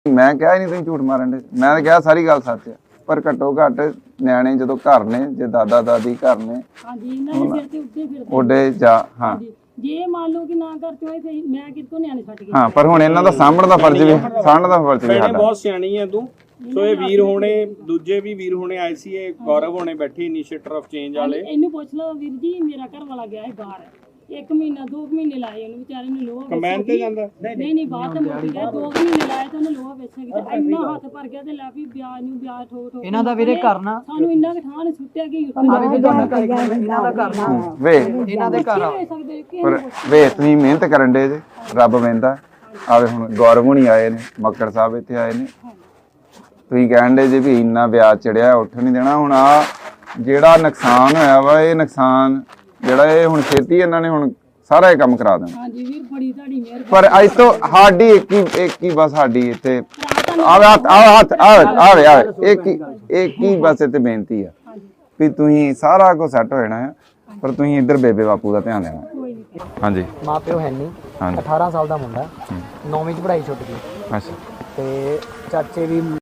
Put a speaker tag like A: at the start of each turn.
A: मैं कहा नहीं तुम झूठ मारन दे, मैं कहा सारी गल सच है, पर घट्टो घट न्याणे जो घर ने, जो दादा दादी घर ने ओडे जा हाँ
B: ਜੇ ਮੰਨ ਲਓ ਕਿ ਨਾ ਕਰਤੇ ਹੋਏ ਫਿਰ ਮੈਂ ਕਿੱਥੋਂ ਨਿਆਣੇ ਛੱਡ ਕੇ
A: हाँ पर हुण इन्हां दा सामण दा फर्ज भी साਡਾ
C: बहुत सियाणी है तू। सो ये वीर होने दूजे भी वीर होने आए सी, ये गौरव होने बैठे इनिशिएटर ऑफ चेंज वाले।
B: ਇਹਨੂੰ ਪੁੱਛ ਲਓ ਵੀਰ ਜੀ, ਮੇਰਾ ਘਰ ਵਾਲਾ ਗਿਆ ਹੈ ਬਾਹਰ, 1 ਮਹੀਨਾ 2 ਮਹੀਨੇ ਲਾਏ ਉਹਨੂੰ ਵਿਚਾਰੇ ਨੂੰ ਲੋਹਾ
C: ਕਮੈਨ ਤੇ ਜਾਂਦਾ
B: ਨਹੀਂ ਬਾਹਰ ਤਾਂ ਮੁੱਕ ਗਿਆ, 2 ਮਹੀਨੇ ਲਾਏ ਤੇ ਉਹਨੇ ਲੋਹਾ ਵੇਚਿਆ ਕਿਤੇ ਇੰਨਾ ਹੱਥ ਭਰ ਗਿਆ ਤੇ ਲੈ ਵੀ ਵਿਆਜ ਨੂੰ ਵਿਆਜ ਠੋਕ
D: ਇਹਨਾਂ ਦਾ ਵੀਰੇ ਕਰਨਾ
B: ਸਾਨੂੰ ਇੰਨਾ ਕਿ ਥਾਂ ਨੇ ਸੁੱਟਿਆ ਕਿ
D: ਆ ਵੀ ਤੁਹਾਡਾ ਇਹਨਾਂ ਦਾ ਕਰਨਾ
A: ਵੇ
D: ਇਹਨਾਂ ਦੇ ਘਰ ਆ
A: पर वे तुसीं मेहनत करन दे जे, रब वेंदा आवे। हुण गौरव हुणी आए ने, मक्कड़ साहब इत्थे आए ने, तुसीं कहण दे जे भी इन्ना ब्याज चढ़िया उठ नहीं देना। हुण आ जेड़ा नुकसान होया वा, ये नुकसान जेड़ा ये हुण छेती इन्हां ने हुण सारा ये काम करा देना।
B: ਹਾਂਜੀ ਵੀਰ ਬੜੀ ਤੁਹਾਡੀ ਮਿਹਰਬਾਨੀ।
A: पर अज तो साडी एक ही बस साडी इत्थे आवे एक ही बस इत्थे बेनती है भी तुसीं सारा कुछ सैट हो जाना है, पर तुसीं इधर बेबे बापू का ध्यान देना। हाँ जी
D: ਮਾਂ ਪਿਓ ਹੈ ਨਹੀਂ,
A: हाँ जी
D: 18 ਸਾਲ ਦਾ ਮੁੰਡਾ 9ਵੀਂ ਚ ਪੜ੍ਹਾਈ ਛੁੱਟ ਗਈ
A: अच्छा
D: ਤੇ ਚਾਚੇ ਵੀ